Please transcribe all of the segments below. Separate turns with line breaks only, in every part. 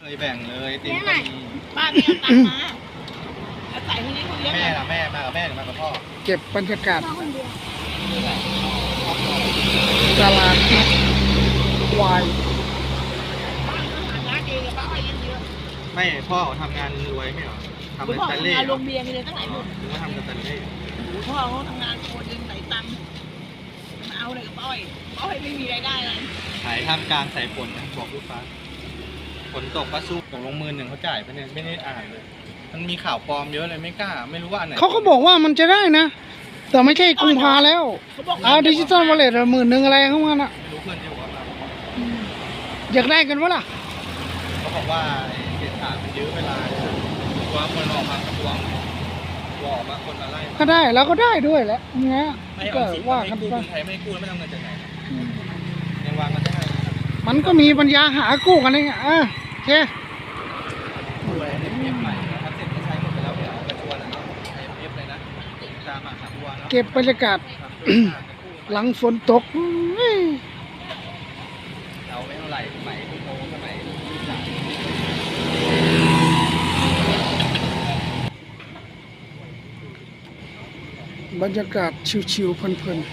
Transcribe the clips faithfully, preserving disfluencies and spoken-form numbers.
ยแบ่งเลยติม
แม่ไหน
ก็มี
ป้าเนี่ยตังมาอาศัยคนนี้คนเลี้ยง
แม่ล่ะแม่มากับแม่หรือมากับพ่อ
เก็บบรรยากาศ
พ่อคนเดียว
ตลาดนัดควาย
ร้านเองป้าไปเลี้ยงเยอะ
ไม่พ่อเขาทำงานรวยไม่เหรอทำ
พ่
เป็น
อ
สแตน
ทำ
เล่
งาน
เห
โร
รอง
เบียร์มีเลยตั้งหลายหมื่น
ถึงว่าทำเป็นสแตนเล่
พ่อเขาทำงานโคนเองไหนตังค์มาเอาเลยกับป้อยป้อยไม่มีรายได้เลย
ขายท่ามกลางสายฝนนะบอกลูกค้าฝนตกก็สู้ตกลงมือหนึ่งเขาจ่ายไปเนี่ยไม่ได้อ่านเลย มันมีข่าวปลอมเยอะเลยไม่กล้า ไม่รู้ว่าอันไหน
เขาก็บอกว่ามันจะได้นะ แต่ไม่ใช่กุมภาแล้ว
เขาบอก
เอาดิจิตอลวอลเล็ตหมื่นหนึ่งอะไรเข้ามาน่ะ
ไม่รู้เพื่อนที่บอกว่า
อยากได้กันวะล่ะ
เขาบอกว่าเอกสารมันเยอะเวลาตัวคนออกมาตัวตัวออกมาคนมาไล่
ก็ได้แล้วก็ได้ด้วยแหละเงี้ย
ไม่
ก็
เอาสิ
ว่า
ไม่
กัน
กู้
ไป
คนไทยไม่กู้ไม่ทำเงินจากไหนยังวางกันได้
มันก็มีปัญญาหากู้กันเองอ่ะอ่ะโอเค
กู้อะไรเนี่ยเอฟใหม่นะครับเสร็จก็ใช้หมดไปแล้วเนี่ยกระชวนนะเนาะใช้เอฟเลยนะตามมาหาตัวเนาะ
เก็บบรรยากาศ หลังฝนตกอุ้ย
เราไม่เท่าไหร่สมัยคุณโมสมัยลูกหลาน
บรรยากาศชิวๆเพลิน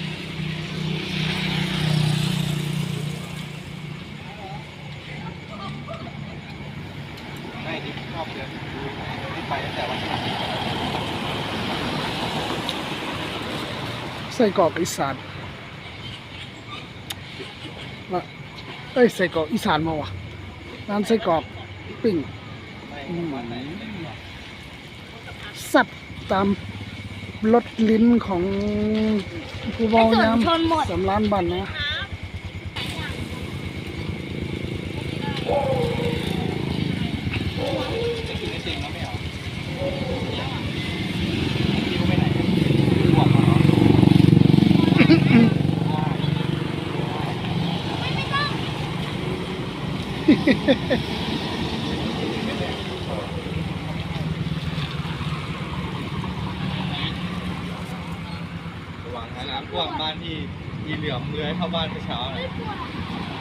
ไม่ที่ชอบเดินที่ไปตั้งแต่วันที่
ๆไส้กรอกอีสานว่าเอ้ยไส้กรอกอีสานมาวะร้านไส้กรอกปิ้ง
ไม่วันไหน
สับตามรสลิ้นของผู้บอยามสำล้านบันนะ
จะกินไอติมแล้วไม่เหรอพี่ก็ไม่ไหนบอกมาเหรอระวังนะน้ำท่วมบ้านที่ยีเหลือมเลื้อยเข้าบ้านเมื่อเช้าเลย